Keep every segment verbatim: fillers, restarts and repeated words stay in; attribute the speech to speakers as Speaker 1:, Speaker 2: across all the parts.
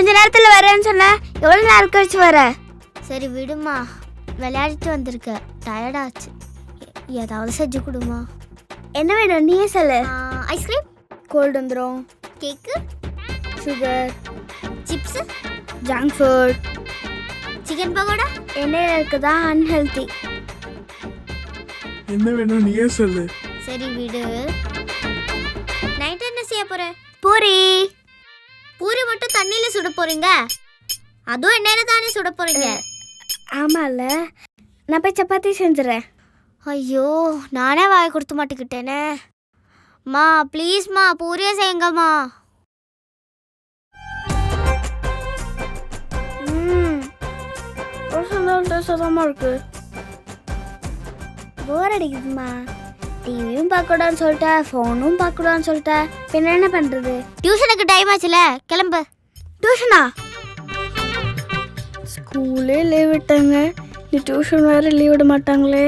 Speaker 1: கொஞ்ச நேரத்தில் வரேன்னு சொன்னேன். எவ்வளோ நேரம் கழிச்சு வர?
Speaker 2: சரி விடுமா, விளையாடிட்டு வந்திருக்க, டயர்டாச்சு. ஏதாவது செஞ்சு கொடுமா.
Speaker 1: என்ன வேணும் நீயே சொல்லு.
Speaker 2: ஐஸ்கிரீம்,
Speaker 1: கோல்டு வந்துடும்,
Speaker 2: cake,
Speaker 1: sugar,
Speaker 2: chips,
Speaker 1: junk food,
Speaker 2: chicken pakoda.
Speaker 1: எண்ணெயில் இருக்குதா அன்ஹெல்தி.
Speaker 3: என்ன வேணும் நீயே சொல்லு.
Speaker 2: சரி விடு. நைட் என்ன செய்ய போற?
Speaker 1: பூரி.
Speaker 2: பூரி மட்டும் தண்ணியில சுட போறீங்க? அதுவும் எண்ணெயில தானே சுட போறீங்க?
Speaker 1: ஆமாம்ல, நான் போய் சப்பாத்தி செஞ்சுறேன்.
Speaker 2: ஐயோ, நானே வாய் கொடுத்து மாட்டிக்கிட்டேனே. மா ப்ளீஸ்மா, பூரியே செய்யுங்கம்மா.
Speaker 1: ம் சந்தோஷமா இருக்கு. போர் அடிக்குதுமா. டிவியும் பார்க்கக்கூடாதுன்னு சொல்லிட்டேன், ஃபோனும் பார்க்கக்கூடாதுன்னு சொல்லிட்டேன். பின்ன என்ன பண்ணுறது?
Speaker 2: டியூஷனுக்கு டைம் ஆச்சுல, கிளம்பு.
Speaker 1: டியூஷனா? ஸ்கூலே லீவ் விட்டாங்க, நீ டியூஷன் வேறு லீவ் விட மாட்டாங்களே.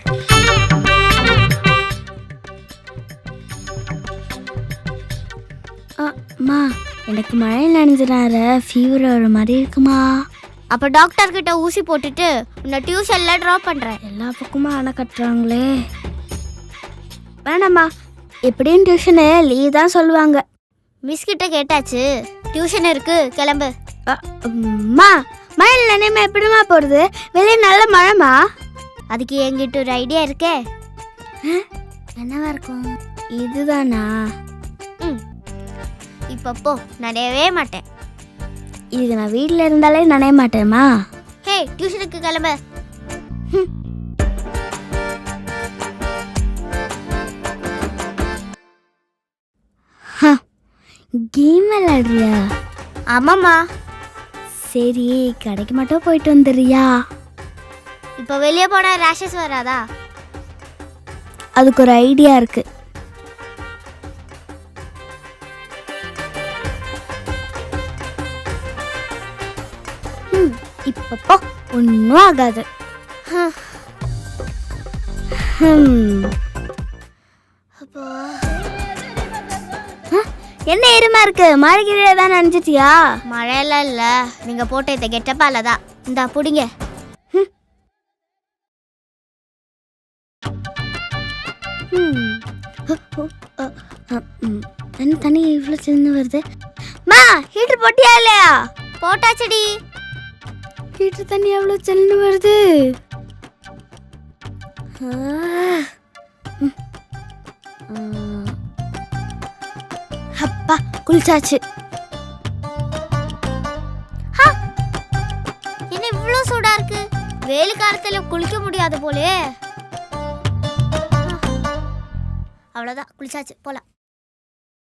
Speaker 1: அம்மா, எனக்கு மழையில் நனைஞ்சினார ஃபீவர் வர மாதிரி இருக்குமா.
Speaker 2: அப்போ டாக்டர் கிட்ட ஊசி போட்டுட்டு உன்னை டியூஷனில் ட்ராப் பண்ணுறேன்.
Speaker 1: எல்லா பக்கமும் அணை கட்டுறாங்களே. வேணாம்மா, எப்படியும் டியூஷனு லீவ் தான் சொல்லுவாங்க.
Speaker 2: மிஸ் கிட்ட கேட்டாச்சு, டியூஷன் இருக்கு, கிளம்பு.
Speaker 1: அம்மா, மழையில் நினைமா எப்படிமா போகிறது? வெளியே நல்ல மழைமா.
Speaker 2: அதுக்கு என்கிட்ட ஒரு ஐடியா இருக்கே.
Speaker 1: என்னவா இருக்கும்? இதுதானா?
Speaker 2: ம், இப்போ போ, நனையவே மாட்டேன்.
Speaker 1: இதுக்கு நான் வீட்டில் இருந்தாலே நனைய மாட்டேம்மா.
Speaker 2: ஹே, டியூஷனுக்கு கிளம்பு.
Speaker 1: கேம் விளையாடுறியா?
Speaker 2: ஆமாம்மா.
Speaker 1: சரி, கடைக்கு மட்டும் போயிட்டு வந்துடுறியா?
Speaker 2: இப்போ வெளியே போனால் ரேஷஸ் வராதா?
Speaker 1: அதுக்கு ஒரு ஐடியா இருக்கு. இப்போ ஒன்றும் ஆகாது.
Speaker 2: அப்போ
Speaker 1: என்ன எருமா இருக்கு? மழைக்கிழே தான் நினைச்சிட்டியா?
Speaker 2: மழையெல்லாம் இல்லை, நீங்கள் போட்ட இந்த கெட்டப்பால தான். இந்தா பிடிங்க.
Speaker 1: என்ன தண்ணி இவ்வளோ சின்ன வருது? மா, ஹீட்டர் போட்டியா இல்லையா?
Speaker 2: போட்டாச்சடி.
Speaker 1: ஹீட்டர் தண்ணி எவ்வளோ சின்ன வருது? அப்பா, குளிச்சாச்சு.
Speaker 2: என்ன இவ்வளோ சூடா இருக்கு? வெயில் காலத்துல குளிக்க முடியாது போலே. அவ்வளோதான், குளிச்சாச்சு, போலாம்.